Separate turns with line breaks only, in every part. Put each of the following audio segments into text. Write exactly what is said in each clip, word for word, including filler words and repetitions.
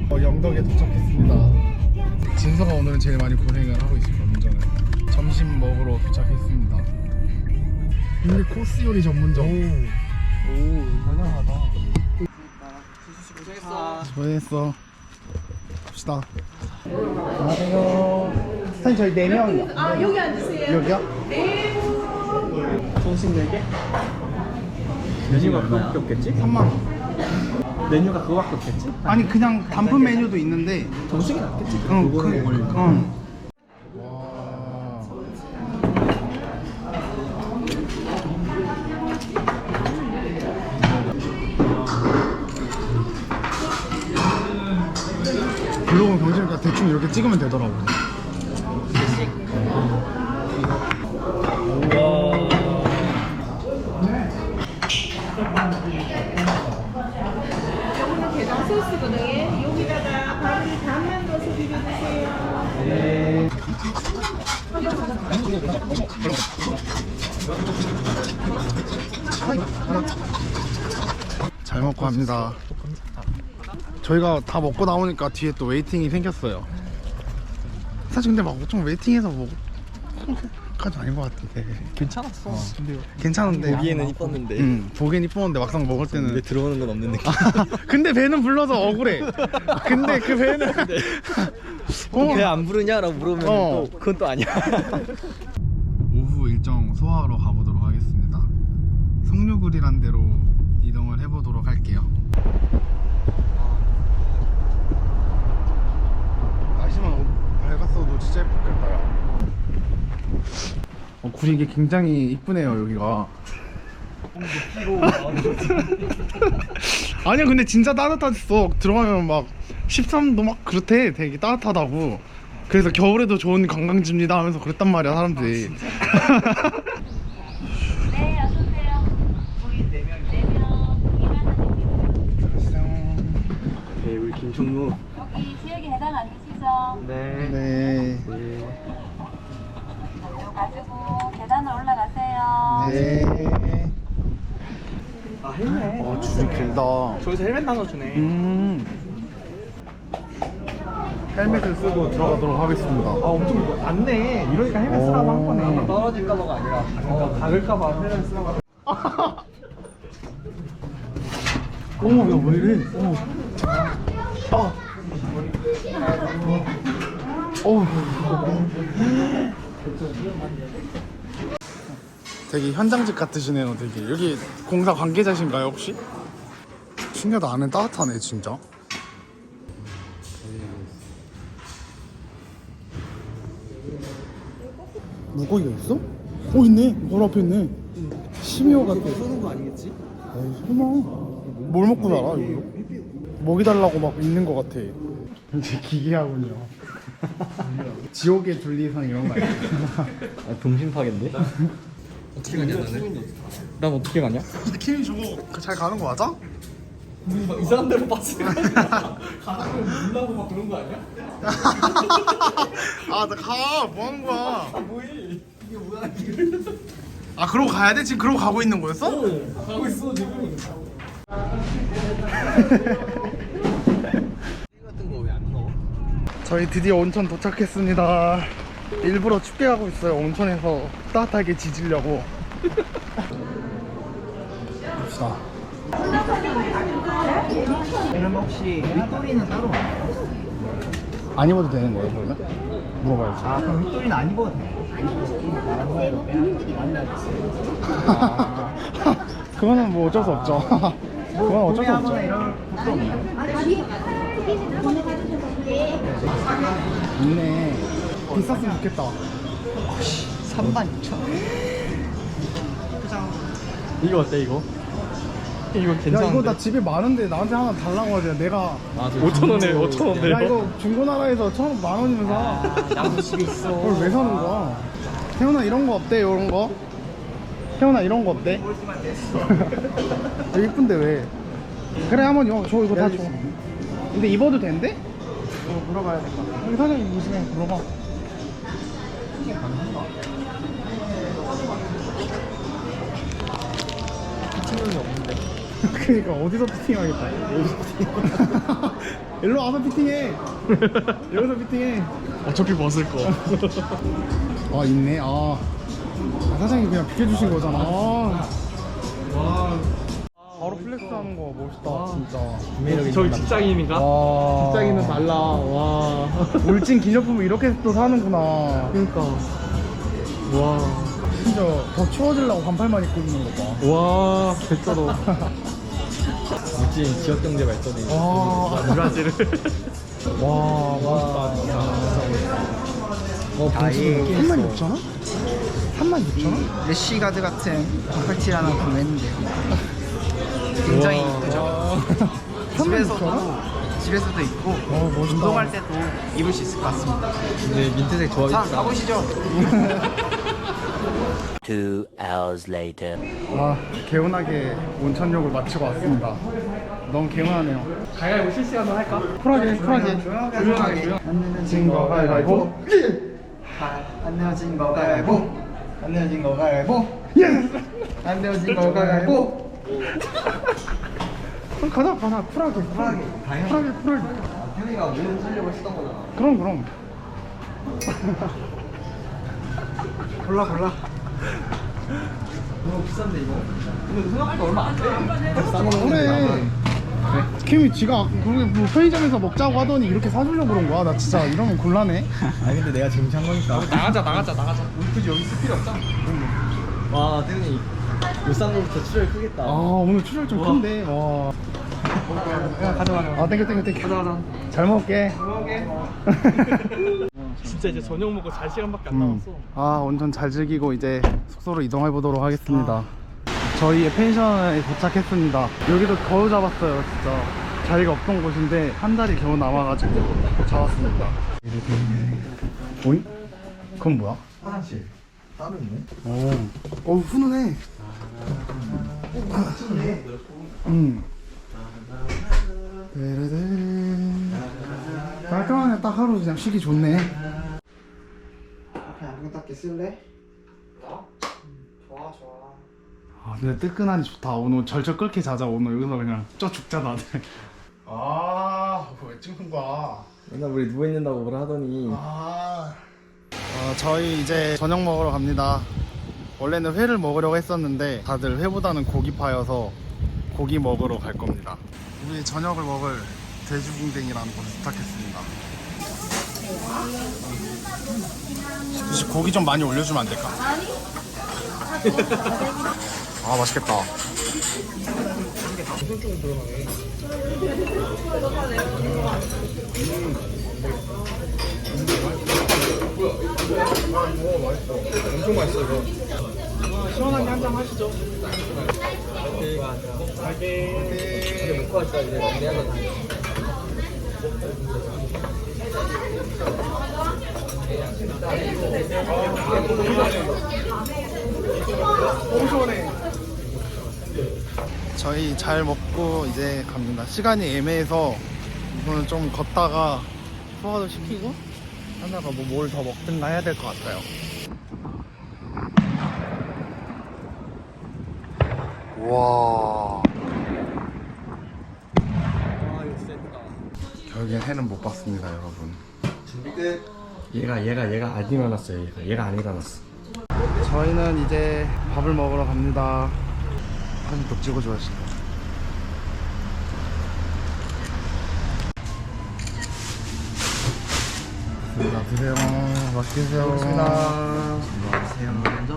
어, 영덕에 도착했습니다. 진서가 오늘은 제일 많이 고생을 하고 있습니다. 운전을. 점심 먹으러 도착했습니다. 국내 코스 요리 전문점. 오, 다양하다.
고생했어.
수고했어. 갑시다. 안녕하세요. 사장님 저희 네 명이요.
아 여기 앉으세요.
여기요?
네.
정식 네 개? 메뉴가 그거밖에 없겠지?
삼만 원.
메뉴가 그거밖에 없겠지?
아니 그냥 단품 메뉴도 있는데.
정식이 낫겠지?
응, 그,
그거는 뭘?
응. 와. 블로그 경쟁니까 대충 이렇게 찍으면 되더라고.
이거는 게장 소스거든요. 여기다가 밥을 반만 넣어서 비벼 드세요.
잘 먹고 갑니다. 저희가 다 먹고 나오니까 뒤에 또 웨이팅이 생겼어요. 사실 근데 막 엄청 웨이팅해서 뭐 까지 아닌 것 같은데.
괜찮았어. 근데
괜찮은데
보기에는 이뻤는데.
응, 보기엔 이뻤는데 막상 먹을 때는
왜 들어오는 건 없는 느낌?
근데 배는 불러서 억울해. 근데 그 배는 어.
배 안 부르냐라고 물으면
어.
또 그건 또 아니야.
오후 일정 소화하러 가보도록 하겠습니다. 성류굴이란 데로 이동을 해보도록 할게요. 날씨만 밝았어도 진짜 예뻤겠다. 어, 굴이 이게 굉장히 이쁘네요 여기가. 아니야 근데 진짜 따뜻했어. 들어가면 막 십삼 도 막 그렇대. 되게 따뜻하다고. 그래서 겨울에도 좋은 관광지입니다 하면서 그랬단 말이야 사람들이.
네, 어서오세요. 우리 네 명, 네 명, 이만 원입니다.
네, 우리 김종무.
여기 지역에 해당 아니시죠?
네.
네.
이거 가지고 계단으로 올라가세요.
네.
아, 헬멧.
어 줄이 길다.
저기서 헬멧 나눠주네.
음. 헬멧을 쓰고 들어가도록 하겠습니다.
아, 엄청 낫네. 이러니까 헬멧 쓰라고 한 거네. 떨어질까봐가 아니라 어, 박을까봐 헬멧 쓰라고.
어머 야왜 이래? 어머. 아. 어. 되게 현장직 같으시네요. 되게 여기 공사 관계자신가요 혹시? 신기하다. 안에 따뜻하네 진짜. 물고기가 있어? 어 있네. 바로 앞에 있네. 심이어 같아.
쏘는 거 아니겠지?
에이 설마. 뭘 먹고 살아 이거? 먹이 달라고 막 있는 거 같아. 이제 기괴하군요. 지옥의 둘리상 이런 거 아니야?
아, 동심파괴인데? 어떻게 가냐 나는? 난 어떻게 가냐?
근데 키미 저거 잘 가는 거 맞아?
이상한 데로 빠지는 거 아니야? 가다가 놀라고 막 그런 거 아니야?
아 나 가. 뭐 하는 거야?
뭐해? 이게 뭐야 길을?
아 그러고 가야 돼? 지금 그러고 가고 있는 거였어?
어, 가고 있어 지금. 같은 거 왜 안 넣어?
저희 드디어 온천 도착했습니다. 일부러 춥게 가고 있어요. 온천에서 따뜻하게 지지려고. 봅시다.
그럼 혹시 윗도리는 따로?
안 입어도 되는 거예요 그러면? 물어봐야지.
아 그럼 윗도리는 안 입어도 돼?
그거는 뭐 어쩔 수 없죠. 그건 어쩔 수 없죠.
이런 것도 없나요?
있네. 비쌌으면 좋겠다.
삼만 이천 원. 이거 어때 이거? 이거
야
괜찮은데?
이거 나 집에 많은데 나한테 하나 달라고 하지. 내가
오천 원에 오천 원에
야 이거 중고나라에서 천 원 만 원이면 사.
나도 집에 있어.
그걸 왜 사는 거야? 태훈아 이런 거 어때? 이런 거? 태훈아 이런 거 어때? 아, 이쁜데 왜? 그래 한번 요, 저 이거 다 줘. 근데 입어도 된대?
이거 물어봐야 될 것 같아.
여기 사장님 보시면 물어봐.
피팅력이 없는데.
그러니까 어디서 피팅하겠다. 일로 와서 피팅해. 여기서 피팅해. 어차피 벗을 거. 아 있네. 아, 아 사장님 그냥 비켜주신 거잖아. 아. 와. 바로 플렉스하는 거 멋있다 진짜.
저기 직장인인가?
와.
직장인은 달라. 와.
울진 기념품을 이렇게 또 사는구나.
그러니까. 와.
진짜 더 추워지려고 반팔만 입고 있는 거 봐.
와. 됐어도. 울진 지역 경제 발전에.
와.
브라질을.
와, 멋있다 진짜.
어,
다이
삼만 육천 원? 삼만 육천 원?
래쉬가드 같은 반팔티 하나 구매했는데 굉장히
우와.
이쁘죠?
삼만
집에서도
육천 원?
집에서도 입고
어, 멋있다.
운동할 때도 입을 수 있을 것 같습니다.
근데 민트색
자,
좋아하겠다.
가보시죠.
Two hours later.
아, 개운하게 온천욕을 마치고 왔습니다. 너무 개운하네요.
가위바위보 실시간으로 할까?
쿨하게, 쿨하게.
조용하게
조용하게.
안 내면
진 거 가위바위보.
안 내어진 거 가위바위보. 안 내어진 거 가위바위보.
예스!
안 내어진 거 가위바위보.
그럼 가자, 가자. 쿨하게, 쿨하게. 쿨하게, 쿨하게.
형이가 모든 전력을 쓰던 거잖아.
그럼, 그럼.
골라 골라.
너무 비싼데 이거. 근데 생각보다 얼마 안 돼.
그래. 김이 지가 그게 뭐 편의점에서 먹자고 하더니 이렇게 사주려고 그런 거야. 나 진짜 이러면 곤란해.
아니 근데 내가 지금 산 거니까. 나가자 나가자 나가자. 우리 굳이 여기 있을 필요 없잖아. 와 태훈이 울산 거부터 출혈 크겠다.
아, 오늘 출혈 좀
우와.
큰데. 와.
야 가자 가자.
아, 땡겨, 땡겨, 땡겨.
가자 가자.
잘 먹을게.
진짜 이제 저녁 먹고 잘 시간밖에 안
음.
남았어.
아, 온천 잘 즐기고 이제 숙소로 이동해 보도록 하겠습니다. 저희의 펜션에 도착했습니다. 여기도 겨우 잡았어요, 진짜. 자리가 없던 곳인데 한 달이 겨우 남아가지고 잡았습니다. 오잉? 그건 뭐야?
화장실 따로 있네.
오, 어, 훈훈해.
좋네.
음. 데레데레. 깔끔하네. 딱 하루 그냥 쉬기 좋네.
앞에 아무것도 쓸래? 좋아 좋아.
아, 근데 뜨끈하니 좋다. 오늘 절절 끓게 자자. 오늘 여기서 그냥 쪄 죽자 다들. 아, 왜 찍는 거야?
맨날 우리 누워 있는다고 뭐라 하더니.
아. 어, 저희 이제 저녁 먹으러 갑니다. 원래는 회를 먹으려고 했었는데 다들 회보다는 고기파여서 고기 먹으러 갈 겁니다. 우리 저녁을 먹을 돼지궁뎅이라는 곳에 도착했습니다. 혹시 고기 좀 많이 올려주면 안 될까? 아, 맛있겠다.
엄청 맛있어 이거. 시원하게 한 잔 하시죠. 갈게. 이제 먹고 할까 이제 마무리하자.
너무 시원해. 저희 잘 먹고 이제 갑니다. 시간이 애매해서 이거는 좀 걷다가 소화도 시키고 하다가 뭐 뭘 더 먹든가 해야 될 것 같아요. 와.
아 이거 쎄다.
결국엔 해는 못 봤습니다, 여러분.
준비 끝.
얘가 얘가 얘가 안 일어났어요. 얘가 얘가 안 일어났어.
저희는 이제 밥을 먹으러 갑니다. 사진 또 찍어줘야지. 자, 드세요. 맛있게 드세요.
안녕하세요. 먼저.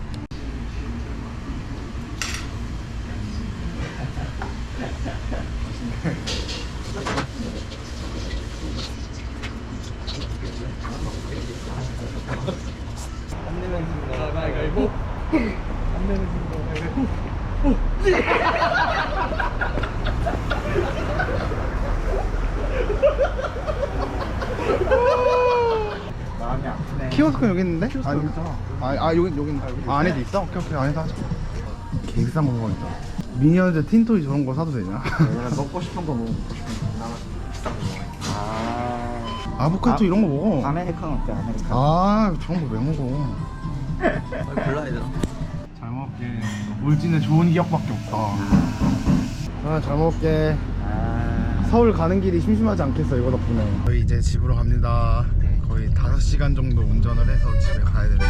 안 내면 진거 가위바위보. 안 내면 진거 가위바위보.
마음이 아프네.
키오스크 여기 있는데? 아니, 아, 아 여기 여기 있다. 아, 안에도 있어? 오케이 오케이 안에서 하자. 개 비싼 물건이다. 미니언즈 틴토이 저런 거 사도 되냐?
내가 먹고 싶은 거 먹고 싶은 거. 아.
아보카도
아,
이런 거 먹어.
아메리카노 어때? 아메리카노.
아, 저런 거 왜 먹어?
골라야 되나?
잘 먹을게. 울진에 좋은 기억밖에 없다. 아, 잘 먹을게.
아.
서울 가는 길이 심심하지 않겠어 이거 덕분에. 저희 이제 집으로 갑니다. 거의 다섯 시간 정도 운전을 해서 집에 가야 되는데